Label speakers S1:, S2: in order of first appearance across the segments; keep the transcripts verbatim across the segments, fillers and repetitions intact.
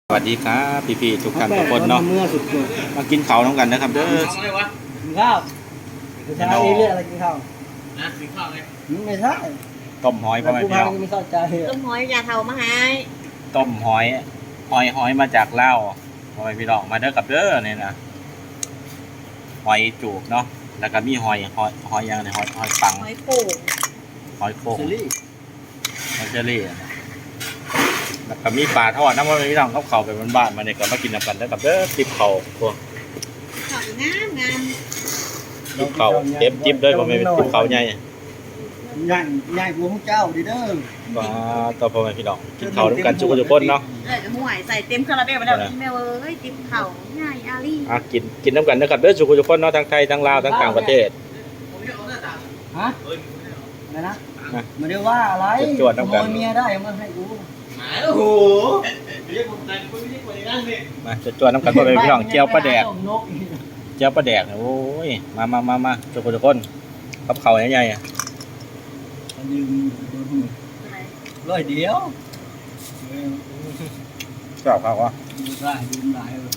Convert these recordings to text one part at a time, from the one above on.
S1: สวัสดีครับพี่ๆทุกท่านทุกคนเนาะมากินข้าวน้องกันนะครับเด้อ
S2: กินข้าวไม่ใช่เรื่องอะไรกินข้าว
S3: นะกินข้าวไง
S2: ไม่ใช่
S1: ต้มหอยพ่อแม่พี่น้อง
S2: ไม่เข้าใจ
S4: ต้มหอยยาเทามาให้
S1: ต้มหอยหอยหอยมาจากลาวพ่อแม่พี่น้องมาเด้อกับเด้อเนี่ยนะหอยจูบเนาะแล้วก็มีหอยหอยหอยยังเนี่ยหอยหอยปัง
S4: หอยโป่ง
S1: หอยโข่ง
S2: เซรี่
S1: หอยเชอรี่นะแล้วก็มีปลาทอดน้ำพ่อแม่พี่น้องเขาเข่าไปบ้านๆมาเนี่ยก็มากินน้ำกันเด้อกับเด้อติบเข่าพวก
S4: ข้าวงามงาม
S1: ติบเข่าเต็มจิบเลยพ่อแม่ติบเข่าใหญ่
S2: ใหญ่ใหญ่กว่าพวกเจ้าดิเด้อ
S1: ก็ต่อพ่อแม่พี่น้องกินข้าวด้วยกันทุกคนทุกคนเนาะ
S4: เออจะห่วยใส่เต็มคาราเบลไปแล้วแม่เอ้ยติ๊บเข่าง่ายอาลี่
S1: อ่ะกินกินน้ำกันนะครับเด้อทุกคนทุกคนเนาะทั้งไทยทั้งลาวทั้งต่างประเทศ
S3: ผมจะเอาหน้าตา
S2: ฮะ
S3: เฮ้ยไม่ได้เอา
S2: อะไรนะไม่ได้ว่าอะไรขโมยเมียได้มาให้กู
S3: หมาโอ้โหเรียกคนใจคนไม่ใช่คนในนั่นเลย
S1: มาจะจวนน้ำกันพ่อแม่พี่น้องเจียวปลาแดก
S2: นก
S1: เจียวปลาแดกเนี่ยโอ้ยมามามามาทุกคนทุกคนกับเขาวใหญ่ๆอ่ะ
S2: ยืมร้อยเดียว
S1: ชอบเขาวะ
S2: ดูได้ดูหลายเลย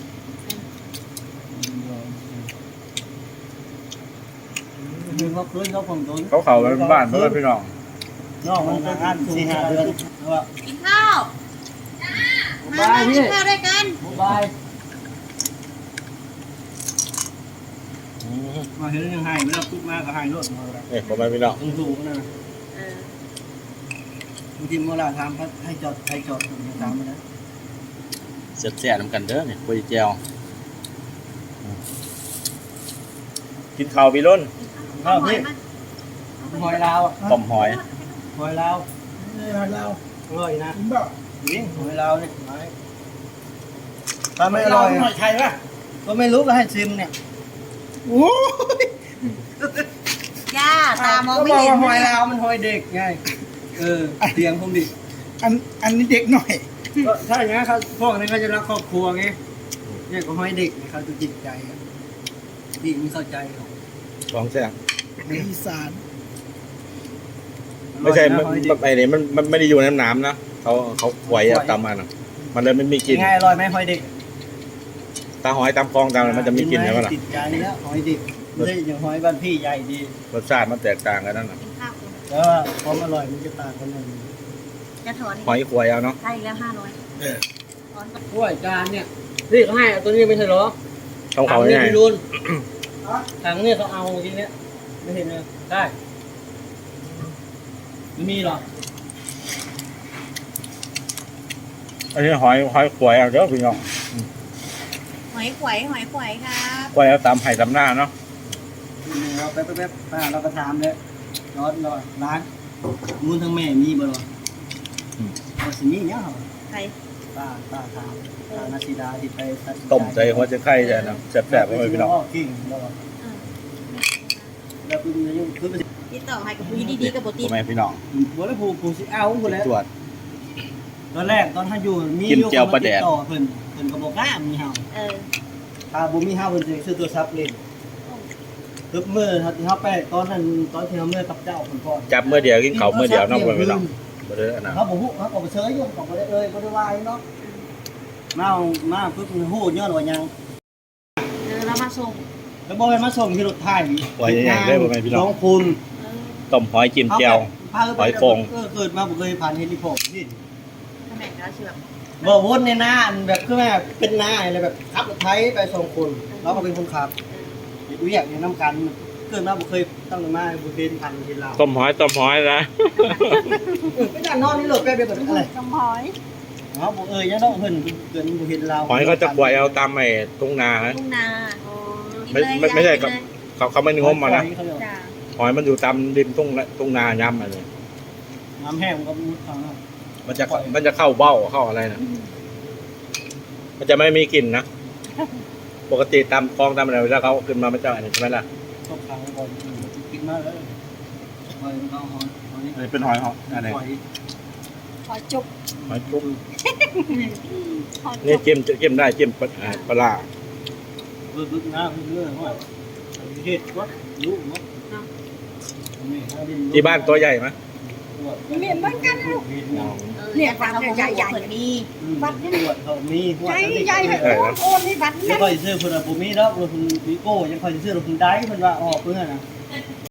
S2: ดูเขาคืนเขาผมโดน
S1: เขาเขาเป็นบ้านพ่อแม่พี่น้อง
S2: นอกมันเป็นอันสี่ห้าเดือนว่า
S4: กินข้าวมา
S2: บาย
S4: กิ
S2: พี่
S4: นข้าวด้วยกัน
S2: บาย
S1: อืม
S2: มาเห็นยังไงไม่รับทุกมาก็ให้รถมาแล้ว
S1: นี่พ่อแม่พี่น้อง
S2: ต้องสูงนะ
S4: เออบ
S2: างทีเวลาทำให้จอดให้จอดถึงจะทำนะ
S1: เสียบเสียน้ำกันเด้อเนี่ยคุยเจียวอืมกินข้าวพี่ล้น
S2: ข้าว
S4: หอย
S2: พี่
S4: มา
S2: หอยลาว
S1: ต้มหอย
S2: หอยลาวหอยลาวอร่อยนะนี่หอยลาวนี่ถ้าไม่อร่อยหอยไทยป่ะก็ไม่รู้ก็ให้ชิมเนี่ยโอ้ย
S4: ย่าตามองไม่
S2: ก็บ
S4: เห็
S2: อน กว่าหอยลาวมันหอยเด็กไงเออเตียงผมดิ
S5: อันอันนี้เด็กหน่อย
S2: ก็ใช่ไงเขาพวกนี้เขาจะรักครอบครัวไงเนี่ยก็หอยเด็กเขาจะจิตใจดีไม่เข้าใจหรอก
S1: ของแซ่บ
S5: ในอีสาน
S1: ไม่ใช่
S2: อร่
S1: มั
S2: อน ยนะหอยเด็ก
S1: ไอ้นี่มันมันไม่ได้อยู่ในน้ำนะเขาเขาไหวเอาตามมันอะมันเลยไม่มีกลิ่น
S2: ไงอร่อยไหมหอยเด็ก
S1: ตาหอยตามคลองตามอะไรมันจะมีกลิ่นใช่ไหมล่ะ
S2: ติดใจแล้วหอยเด็กไม่ใช่อย่างหอยบ้านพี่ใหญ่ดี
S1: รสชาติมันแตกต่างกันนั่นน่ะ
S4: กินข้าว
S2: แต่ว่าความอร่อยมันจะต่างกันหน่อย
S4: จะถอน
S1: หอยขวยเอาเนาะ
S4: ได้แล้วห้าร้อยถอน
S2: ถ้วยจานเนี่ยนี่เขาให้ตัวนี้ไม่ใช่หรอ
S1: ต้องเขา
S2: ถังนี่
S1: ง่าย
S2: พี่รุนถังเนี่ยเขาเอาจริงเนี่ยไม่เห็นเลยได้ไม่มีหรอ
S1: อันนี้หอยหอยขวยเอาเด้อพี่น้อง
S4: หอยขวยหอยขวยครับ
S1: ขวยเอาตามไห่ตามหน้าเนาะ
S2: เราแป๊บแป๊บป้าเราก็ถามเลยร้อนร้อนร้านมูลทั้งแม่มีบ่หรอว่าสิมีเนี่ยเหรอ
S4: ใคร
S2: ป้าป้าถามป้านาซิดาที่ไปตัด
S1: ต้มใจหัวใจไข่จะนะแซ่บๆเลยพี่น้อง
S2: กิ่งแล้ว
S4: เออ
S2: แล้วคือมันยังคือมัน
S4: ติดต่อให้กับผู้ดีๆกับโบติ
S1: พ่อแม่พี่น้อง
S2: บ่ได้ผูกผูกสิเอาหมดแล้ว
S1: ตรวจ
S2: ตอนแรกตอนท่านอยู่มี
S1: กินเจียวปลาแดก
S2: ต่อเพิ่นเพิ่นก็บอกว่ามีเฮา
S4: เออ
S2: ถ้าบ่มีเฮาเพิ่นสิซื้อตัวซับเล่นตึบมือถ้าที่เฮาไปตอนนั้นตอนที่เฮาเมื่อกับเจ้าเพิ่นก่อน
S1: จับเมื่อเดียวกินเขาวเมื่อเดียวเน้องพ่อแม่พี่น้องบ่ได้อันนั้น
S2: เฮาบ่ฮู้เฮาก็บ่เชยอยู่ก็บ่ได้เอ่ยบ่ได้ว่าเนาะมามาปึ๊บฮู้ย้อนว่าหยัง
S4: เออเรามาส่ง
S2: แล้วบ่ให้มาส่งที่รถไถ
S1: หอยใหญ่ๆเลยพ่อแม่พี่น้
S2: น้
S1: อ
S2: อง งคุณ
S4: เออ
S1: ต้มหอยจิ้มแจ่ว หอยโข่ง
S2: เออเกิดมาบ่เคยผ่านเฮลิคอปเตอร์นี่
S4: ทำไมเราเชื่อม
S2: บ่วนในหน้าอันแบบคือแม่เป็นหน้าอะไรแบบขับรถไถไปสองคนเราก็เป็นคนขับเฮ็ดเวียกอยู่นำกันเกิดมาบ่เคยตั้งแต่มาบ่เป็นพันเห็นลาว
S1: ต้มหอยต้มหอยนะ
S2: ไม่ได้นอนนี่โหลดแป๊บเดียวแบบอะไร
S4: จำหอย
S2: เนาะบ่เอ้ยยังต้องเพิ่นเกินบ่เห็นลาว
S1: หอยเขาจะขวยเอาตามไอ้ทุ่งนานะ
S4: ทุ่งนาโอ้
S1: ไม่ไม่ไม่ใช่ครับ เขาเขาไม่นิยมมานะ
S4: จ้า
S1: หอยมันอยู่ตามริมทุ่งทุ่งนาย้ำอะไร
S2: น้ำแห้งมันก็มุดเขาเนาะ
S1: มันจะมันจะเข้าเบ้าเข้าอะไรนะมันจะไม่มีกลิ่นนะปกติตามคลองตามอะไรเวลาเขาขึ้นมามันจะอะไรใช่ไหมล่ะ
S2: ตกขังก่อนกินมาเลยหอยมันก็หอยหอย
S1: อันนี้เป็นหอยหอยอะไร
S2: หอย
S4: ขอจุก
S1: หอยจุ๊บ
S4: ขอจุ
S1: นี่
S4: ก
S1: จิ้มจิ้มได้จิ้มปลาอ่าปลาร้า
S2: เบิ่งๆนะเรื่อยๆหอยเฮ็ดวะรู้มั้ย
S1: ที่บ้านตัวใหญ่ไหม
S4: เหม็นเหมือนกันลูก
S1: อ๋อ
S4: เออเนี่ยความใหญ่ใหญ่มี
S2: บัตรตรวจเขามีหัว
S4: ใหญ่ใหญ่เลยโอนโอนให้บัตร
S2: ยังค่อยซื้อเพิ่นบ่มีดอกเพิ่นมีโก้ยังค่อยซื้อเพิ่นได้เพิ่นว่าออกเพิ่นน่ะ